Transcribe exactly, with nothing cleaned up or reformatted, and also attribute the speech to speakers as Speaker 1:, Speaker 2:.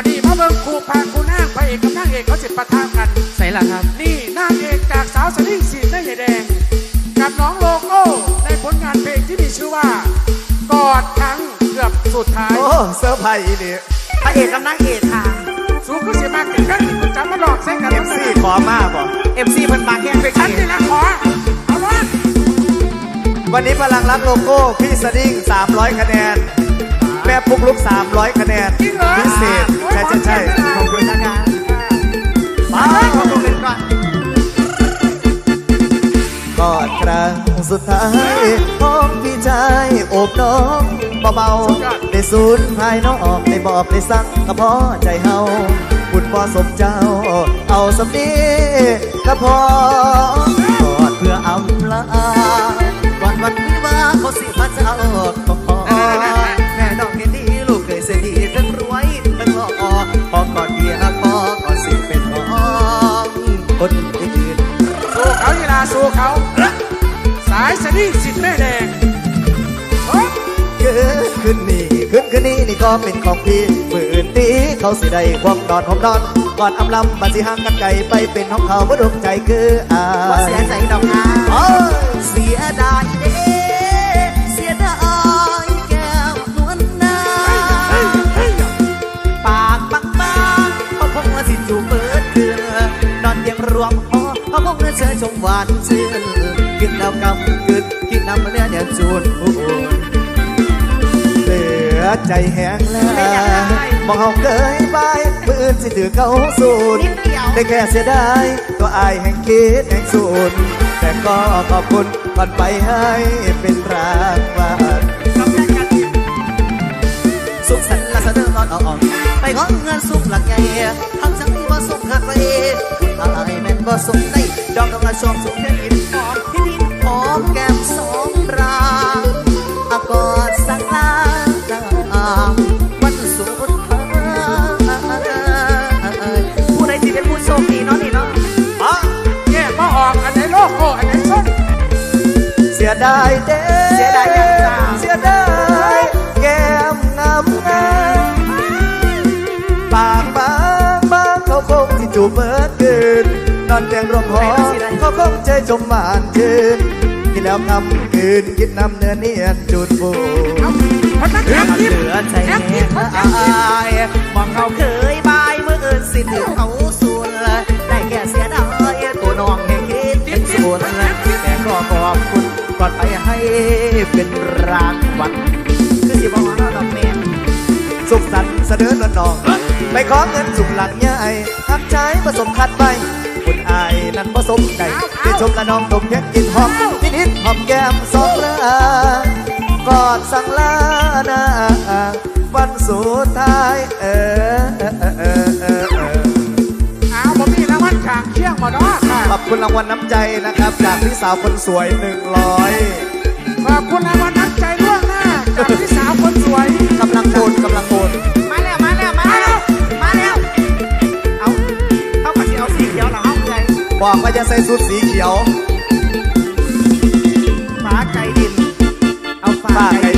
Speaker 1: นี่มาเบิ่งครูพาครูนางพระเอกกับนางเอกเขาสิปะทะกัน
Speaker 2: ใส่ละครับ
Speaker 1: นี่นางเอกจากสาวสลิ่งสีหน้าใหญ่แดงกับน้องโลโก้ในผลงานเพลงที่มีชื่อว่ากอดครั้งเกือบสุดท้าย
Speaker 3: โอ้เซอร์ไพรส์นี่
Speaker 2: พระเอกกับนางเอกค่ะ
Speaker 1: สูงก็เสียมากกันกันคุณจำมาหลอกใส่กัน
Speaker 3: เอฟซีขอมากบ่
Speaker 2: เอฟซีเพิ่นมาแค่ไป
Speaker 1: ฉันนี่ละขอเอาละ
Speaker 3: วันนี้พลังรักโลโก้พี่สดิ้งสามร้อยคะแนนแม่ปุ๊กลุกสามร้อยคะแนนพิเศษใช่ใช่ใช่
Speaker 2: ขอบคุณนะคะมาขอบคุณก่อน
Speaker 3: กอดครั้งสุดท้ายของพี่ชายโอบน้องเบาๆได้สูญภายนอกได้บอกได้สั่งก็พอใจเฮาบุญพอสมเจ้าเอาสำนีก็พอกอดเพื่ออำลาวันวันวิวาเขาสิพระเจ้าแม่น้องเห็นดีลูกเคยเสียดีเพิ่งรวยเพิ่งหล่อพอกอดเดียพอก็สิเป็นของคนอื่น
Speaker 1: สู้เขายีลาสู้เขาสายสลิ่งสีแม่แดง
Speaker 3: เกิดขึ้นนี่ขึ้นขึ้นนี่นี่ก็เป็นของพี่มืออื่นตีเขาสิได้ความนอนของนอนก่อนอำลำบันสิห่างกันไกลไปเป็นของเขาบ่ดวงใจคืออา
Speaker 2: เสียใจดอกงาเสียดายเด้เสียดายแก้วนวลนาปากบางบางเขาคงว่าสิจูเปิดคืนนอนเตียงรวมหอเขาคงเชื่อชมหวานชื่นกินแล้วกำกึดกินน้ำเนื้อเนี่ยจูน
Speaker 3: เหลือใจแห้งแล้วมองเขาเกยไปมืออื่นสิถือเขาสูดได้แค่เสียดายก็อายแห่งคิดแห่งสูดแต่ก็ขอบคุณก่อนไปให้เป็นรางวัลสุขสันต์ละเสนอนอนอ่อนไปขอเงินสุขหลักใหญ่ทำจังที่ว่าสุขขาดไปอายแม่นบ่สุขได้ดอกดอกละชมสุขแค่ดินหอมที่ดินหอมแก้มสองรางอากอดสักลาวันสุดท้ายผู้ใดที่เป็นผู้โชคดีเนาะนี่เนาะ
Speaker 1: อ๋อแย่มาออกอันไหนโลโก้อันไหนส้น
Speaker 3: เสียดายเด้
Speaker 2: เสียดายยัง
Speaker 3: เสียดายแก้มงามงามปากบางบางเขาคงที่จูบเบิดคืนนอนเตียงรวมหอเขาคงใจจมหวานชื่นกินแล้วคำคืนกินน้ำเนื้อเนียนจุดบูเหลือใจแห้งอายมองเขาเคยบายเมื่อเอินสิถึงเขาสูนได้แค่เสียดายตัวน้องแห่งคิดเป็นส่วนแต่ก็ขอบคุณก่อนไปให้เป็นรางวัล
Speaker 2: คือสิบอกว่าเราแม่
Speaker 3: สุขสันต์เสนอนน้องไปขอเงินสุขหลังใหญ่ทักใจผสมคัดไปคุณอายนั้นผสมใจเดี๋ยวชมละน้องดมเพชรกินหอมนิดนิดหอมแก้มสองเรือกอดสั่งลาหน้าวันสุดท้ายเออเออเออเออเออ
Speaker 1: อ้าวผมมีรางวัลขางเชี่ยงมาด้วยค่ะ
Speaker 3: ขอบคุณรางวัลน้ำใจนะครับจากพี่สาวคนสวยหนึ่งร้อย
Speaker 1: ขอบคุณรางวัลน้ำใจล่วงหน้าจากพี่สาวคนสวย
Speaker 3: กำลังโอนกำลังโอน
Speaker 2: มาแล้วมาแล้วมาแล้วมาแล้วเอาเอากระเจียวสีเขียวหรอเอาใจ
Speaker 3: บอกว่าจะใส่สูทสีเขียว
Speaker 2: ฟ้าไก่ดิน
Speaker 3: เอาฟ้าไก่